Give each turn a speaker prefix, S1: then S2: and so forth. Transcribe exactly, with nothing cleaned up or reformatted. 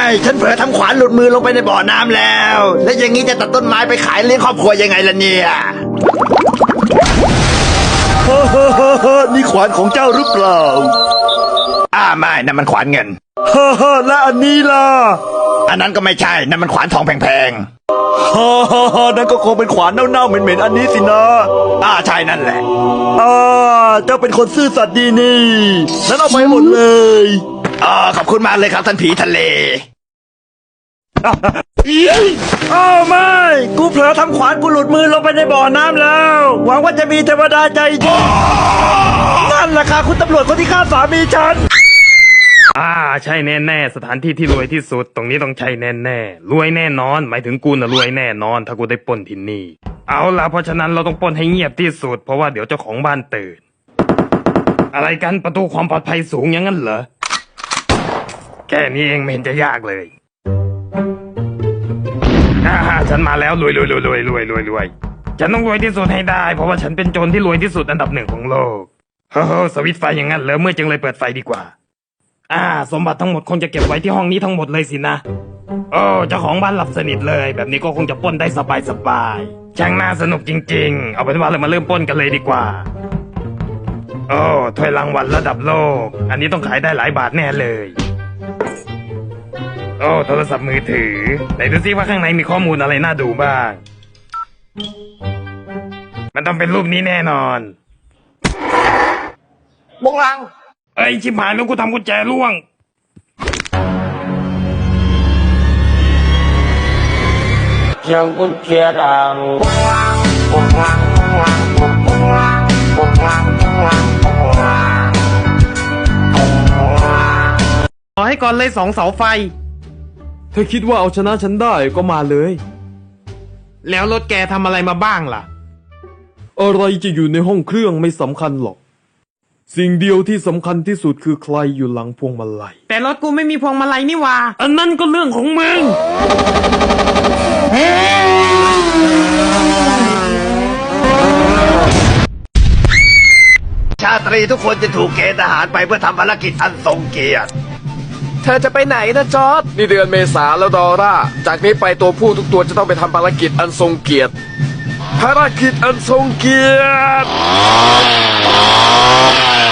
S1: ฉันเผลอทำขวานหลุดมือลงไปในบ่อน้ำแล้ว และอย่างนี้จะตัดต้นไม้ไปขายเลี้ยงครอบครัวยังไงล่ะเนี่ยฮ่าฮ่าฮ่าฮ่านี่ขวานของเจ้าหรือเปล่าอ่าไม่นั่นมันขวานเงินฮ่าฮ่าและอันนี้ล่ะอันนั้นก็ไม่ใช่นั่นมันขวานทองแพงๆฮ่าฮ่าฮ่านั่นก็คงเป็นขวานเน่าๆเหม็นๆอันนี้สินะอ่าใช่นั่นแหละอ่าเจ้าเป็นคนซื่อสัตย์ดีนี่นั้นเอาไปหมดเลยอ่าขอบคุณมากเลยครับท่านผีทะเลอ้าวไม่กูเผลอทำขวานกูหลุดมือลงไปในบ่อน้ำแล้วหวังว่าจะมีเทวดาใจดีนั่นแหละค่ะคุณตำรวจคนที่ฆ่าสามีฉัน
S2: อ่าใช่แน่ๆสถานที่ที่รวยที่สุดตรงนี้ต้องใช่แน่ๆรวยแน่นอนหมายถึงกูน่ะรวยแน่นอนถ้ากูได้ปล้นที่นี่เอาล่ะเพราะฉะนั้นเราต้องปล้นให้เงียบที่สุดเพราะว่าเดี๋ยวเจ้าของบ้านตื่นอะไรกันประตูความปลอดภัยสูงอย่างนั้นเหรอแค่นี้เองไม่เห็นจะยากเลยอ่าฉันมาแล้วรวยรวยรวยรวยรวยรวยรวยฉันต้องรวยที่สุดให้ได้เพราะว่าฉันเป็นโจรที่รวยที่สุดอันดับหนึ่งของโลกเฮ้อสวิตช์ไฟอย่างนั้นเหรอเมื่อจึงเลยเปิดไฟดีกว่าอ่าสมบัติทั้งหมดคงจะเก็บไว้ที่ห้องนี้ทั้งหมดเลยสินะโอ้เจ้าของบ้านหลับสนิทเลยแบบนี้ก็คงจะปล้นได้สบายสบายช่างน่าสนุกจริงๆเอาเป็นว่าเรามาเริ่มปล้นกันเลยดีกว่าโอ้ถ้วยรางวัลระดับโลกอันนี้ต้องขายได้หลายบาทแน่เลยโอ้โทรศัพท์มือถือไหนดูซิว่าข้างในมีข้อมูลอะไรน่าดูบ้างมันต้องเป็นรูปนี้แน่นอนบงลังเอ้ยชิบหายแล้วกูทำกุญแจร่วง
S3: ยังกุญแจดัง
S2: ขอให้ก่อนเลยสองเสาไฟ
S4: ถ้าคิดว่าเอาชนะฉันได้ก็มาเลย
S2: แล้วรถแกทำอะไรมาบ้างล่ะ
S4: อะไรจะอยู่ในห้องเครื่องไม่สำคัญหรอกสิ่งเดียวที่สำคัญที่สุดคือใครอยู่หลังพวงมาลัย
S2: แต่รถกูไม่มีพวงมาลัยนี่วะอันนั้นก็เรื่องของมึง
S1: ชาตรีทุกคนจะถูกเกณฑ์ทหารไปเพื่อทำภารกิจอันทรงเกียรติ
S5: เธอจะไปไหนนะจอร์ดนี่เดือนเมษาแล้วดอร่าจากนี้ไปตัวผู้ทุกตัวจะต้องไปทำภารกิจอันทรงเกียรติภารกิจอันทรงเกียรติ